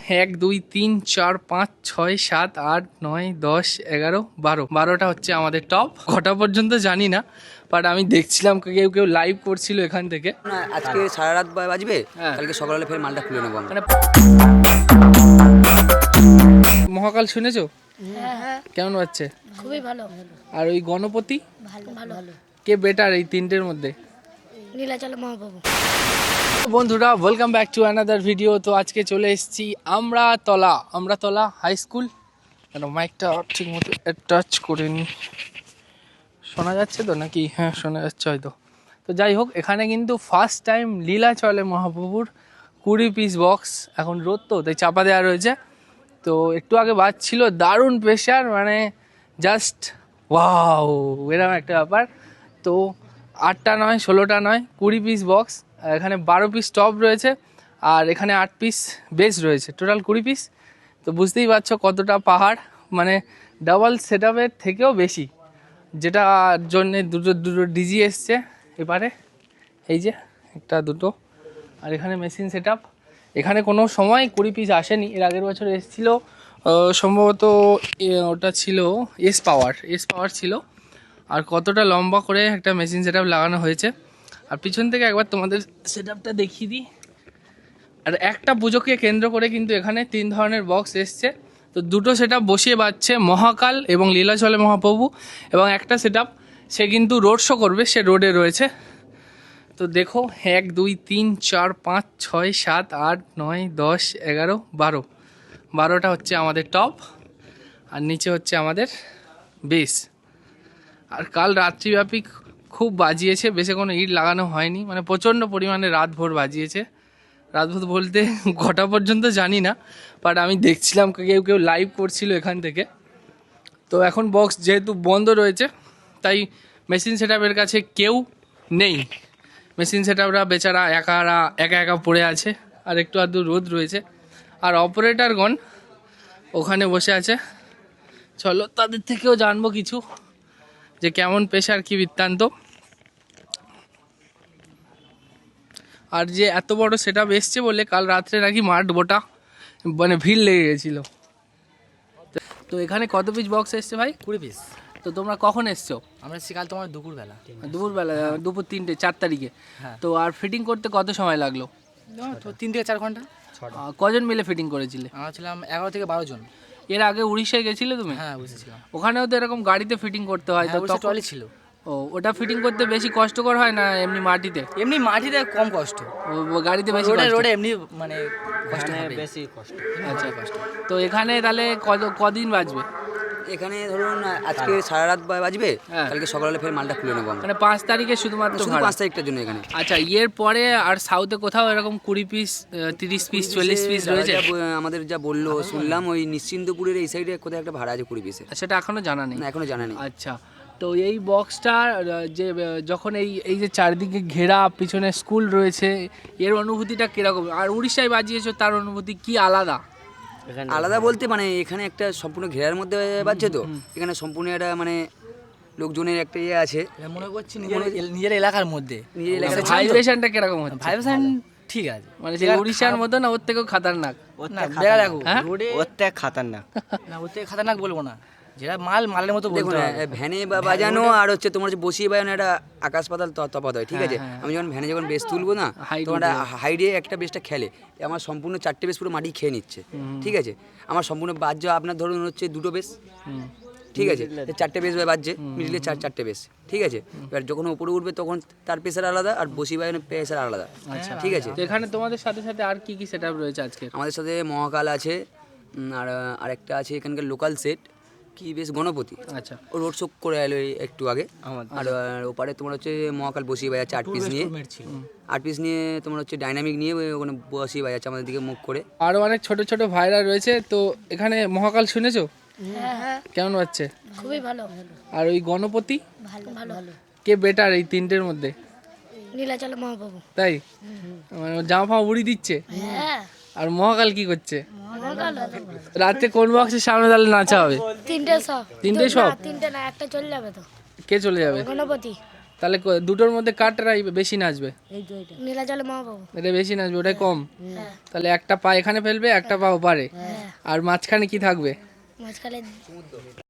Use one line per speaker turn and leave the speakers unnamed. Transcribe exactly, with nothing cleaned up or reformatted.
এক দুই তিন চার পাঁচ ছয় সাত আট নয় দশ এগারো বারো বারোটা হচ্ছে আমাদের টপ। কটা পর্যন্ত জানি না, বাট আমি দেখছিলাম কেউ কেউ লাইভ করছিল এখান থেকে।
না আজকে সারা রাত বাজবে, কালকে সকালে ফের মালটা খুলে নেবো আমরা।
মহাকাল শুনেছো?
হ্যাঁ হ্যাঁ
কেমন বাজছে?
খুবই ভালো।
আর ওই গণপতি
ভালো ভালো
কে বেটার এই তিনটের মধ্যে?
নীলাচল মহাপ্রভু।
বন্ধুরা welcome back to another video. তো আজকে চলে এসেছি আমরা তলা আমরা তলা হাই স্কুল। কেন মাইকটা ঠিক মতো টাচ করে নি, শোনা যাচ্ছে তো নাকি? হ্যাঁ শোনা যাচ্ছে হয়তো। তো যাই হোক, এখানে কিন্তু ফার্স্ট টাইম লীলাচলে মহাপ্রভুর কুড়ি পিস বক্স, এখন রোদ তো তাই চাপা দেওয়া রয়েছে। তো একটু আগে বাজছিল দারুণ প্রেশার, মানে জাস্ট ওয়াও এরকম একটা ব্যাপার। তো আটটা নয় ষোলোটা নয় কুড়ি পিস বক্স, এখানে বারো পিস টপ রয়েছে আর এখানে আট পিস বেস রয়েছে, টোটাল কুড়ি পিস। তো বুঝতেই পারছো কতটা পাহাড়, মানে ডাবল সেট আপের থেকেও বেশি, যেটার জন্যে দুটো দুটো ডিজি এসছে এবারে, এই যে একটা দুটো। আর এখানে মেশিন সেট আপ, এখানে কোনো সময় কুড়ি পিস আসেনি, এর আগের বছর এসেছিলো সম্ভবত, ওটা ছিল এস পাওয়ার এস পাওয়ার ছিল। আর কতটা লম্বা করে একটা মেশিন সেট আপ লাগানো হয়েছে। আর পিছন থেকে একবার তোমাদের সেট আপটা দেখিয়ে দিই। আর একটা পুজোকে কেন্দ্র করে কিন্তু এখানে তিন ধরনের বক্স এসছে। তো দুটো সেট আপ বসিয়ে বাজছে মহাকাল এবং লীলাচলে মহাপ্রভু, এবং একটা সেট আপ সে কিন্তু রোড শো করবে, সে রোডে রয়েছে। তো দেখো এক দুই তিন চার পাঁচ ছয় সাত আট নয় দশ এগারো বারো বারোটা হচ্ছে আমাদের টপ, আর নিচে হচ্ছে আমাদের বেস। আর কাল রাত্রিব্যাপী খুব বাজিয়েছে, বেশি কোনো ইট লাগানো হয়নি, মানে প্রচণ্ড পরিমাণে রাত ভোর বাজিয়েছে। রাত ভোর বলতে কটা পর্যন্ত জানি না, বাট আমি দেখছিলাম কেউ কেউ লাইভ করছিল এখান থেকে। তো এখন বক্স যেহেতু বন্ধ রয়েছে, তাই মেশিন সেট আপের কাছে কেউ নেই। মেশিন সেট আপরা বেচারা একারা একা একা পড়ে আছে, আর একটু আধটু রোদ রয়েছে। আর অপারেটরগণ ওখানে বসে আছে, চলো তাদের থেকেও জানবো কিছু, যে কেমন পেশার কি বৃত্তান্ত। আর যে এত বড় সেট আপ এসছে বলে কাল রাত্রে নাকি মাঠ গোটা মানে ভিড় লেগে গেছিলো। তো এখানে কত পিস বক্স এসছে ভাই?
কুড়ি পিস।
তো তোমরা কখন এসছো?
আমরা এসেছি কাল তোমার দুপুরবেলা।
দুপুরবেলা, দুপুর তিনটে চার তারিখে।
হ্যাঁ।
তো আর ফিটিং করতে কত সময় লাগলো?
তিন থেকে চার ঘন্টা।
আহ, কজন মিলে ফিটিং করেছিলে?
আমরা ছিলাম এগারো থেকে বারো জন।
এর আগে উড়িষ্যায় গেছিলে তুমি?
হ্যাঁ বুঝেছিলাম।
ওখানেও তো এরকম গাড়িতে ফিটিং করতে হয়, তো তখন
ট্রলি ছিল।
ও ওটা ফিটিং করতে বেশি কষ্টকর হয় না এমনি মাটিতে?
এমনি মাটিতে কম কষ্ট,
ও- ও গাড়িতে বেশি
রোডে
কষ্ট?
রোডে এমনি মানে কষ্ট হবে।
বেশি কষ্ট।
আচ্ছা কষ্ট। তো এখানে তাহলে কত কদিন বাজবে?
এখানে ধরুন আজকে সারা রাত বাজবে,
হ্যাঁ।
কালকে সকালে ফের মালটা খুলে নেবো আমরা।
মানে পাঁচ তারিখে শুধুমাত্র
শুধু
ভাড়া?
পাঁচ তারিখটার জন্য এখানে।
আচ্ছা, এর পরে আর সাউথে কোথাও এরকম কুড়ি পিস তিরিশ পিস চল্লিশ পিস রয়েছে?
যা ব- আমাদের যা বললো শুনলাম, ওই নিশ্চিন্তপুরের এই সাইডে কোথায় একটা ভাড়া আছে কুড়ি পিসের।
সেটা এখনো জানা নেই?
না এখনো জানা নেই।
আচ্ছা, তো এই বক্সটা যে আহ, যখন এই এই যে চারিদিকে ঘেরা পিছনে স্কুল রয়েছে, এর অনুভূতিটা কিরকম? আর উড়িষ্যায় বাজিয়েছো, তার অনুভূতি কি আলাদা?
আলাদা বলতে মানে এখানে একটা সম্পূর্ণ ঘেরার মধ্যে বাজছে, তো এখানে সম্পূর্ণ একটা মানে লোকজনের একটা ইয়ে আছে,
এটা মনে করছি নিজের নিজের এলাকার মধ্যে।
নিজের এলাকার
ভাইব্রেশনটা কিরকম হচ্ছে?
ভাইব্রেশন ঠিক আছে,
মানে সেই উড়িষ্যার মতো না, ওর থেকেও খাতারনাক?
না দেখা দেখো
হ্যাঁ?
রোডে
ওর থেকে খাতারনাক
না, ওতে খাতারনাক বলবো না, যেটা মাল মালের মতো
দেখুন
বলতে হবে।
ভ্যানে বা বাজানো আর হচ্ছে তোমার হচ্ছে বসিয়ে বাজানো একটা আকাশ পাতাল ত- তফাৎ হয়, ঠিক আছে? আমি যখন ভ্যানে যখন বেস তুলবো না,
Height
তোমার
উঠে
হাইডে একটা বেসটা খেলে, আমার সম্পূর্ণ চারটে বেস পুরো মাটি খেয়ে নিচ্ছে, ঠিক আছে? আমার সম্পূর্ণ বাজ্য আপনার ধরুন হচ্ছে দুটো বেস,
হুম।
ঠিক আছে? চারটে বেস বাজছে, মিডিলে চার চারটে বেস, ঠিক আছে? এবার যখন উপরে উঠবে তখন তার প্রেসার আলাদা, আর বসিয়ে বাজানোর প্রেসার আলাদা,
আচ্ছা
ঠিক আছে?
তো এখানে তোমাদের সাথে সাথে আর কি কি সেটআপ রয়েছে আজকে?
আমাদের সাথে মহাকাল আছে, উম, আর আরেকটা আছে এখানকার লোকাল সেট কি বেশ গণপতি,
আচ্ছা,
ও রোড শো করে এলো এই একটু আগে। আর আর ওপারে তোমার হচ্ছে মহাকাল বসিয়ে বাজাচ্ছে আট পিস নিয়ে, আট পিস নিয়ে তোমার হচ্ছে ডাইনামিক নিয়ে ওই ওখানে বসিয়ে বাজাচ্ছে আমাদের দিকে মুখ করে।
আরো অনেক ছোট ছোট ভাইরা রয়েছে। তো এখানে মহাকাল শুনেছো?
হ্যাঁ হ্যাঁ
কেমন বাজছে?
খুবই ভালো।
আর ওই গণপতি
ভালো ভালো
কে বেটার এই তিনটের মধ্যে?
নীলাচল মহাপ্রভু।
তাই মানে জামা ফামা উড়ি দিচ্ছে?
হ্যাঁ
আর মহাকাল কি করছে?
মহাকাল
রাতে কোন বক্সের সামনে তাহলে নাচা হবে?
তিনটে সব।
তিনটে সব?
না, তিনটে না, একটা চলে যাবে তো।
কে চলে যাবে?
গণপতি।
তাহলে ক- দুটোর মধ্যে কারটাই বেশি নাচবে?
নীলাচলে মহাপ্রভু।
এটা বেশি নাচবে, ওটাই কম।
হ্যাঁ
তাহলে একটা পা এখানে ফেলবে, একটা পা ওপারে,
হ্যাঁ
আর মাঝখানে কি থাকবে?
মাঝখানে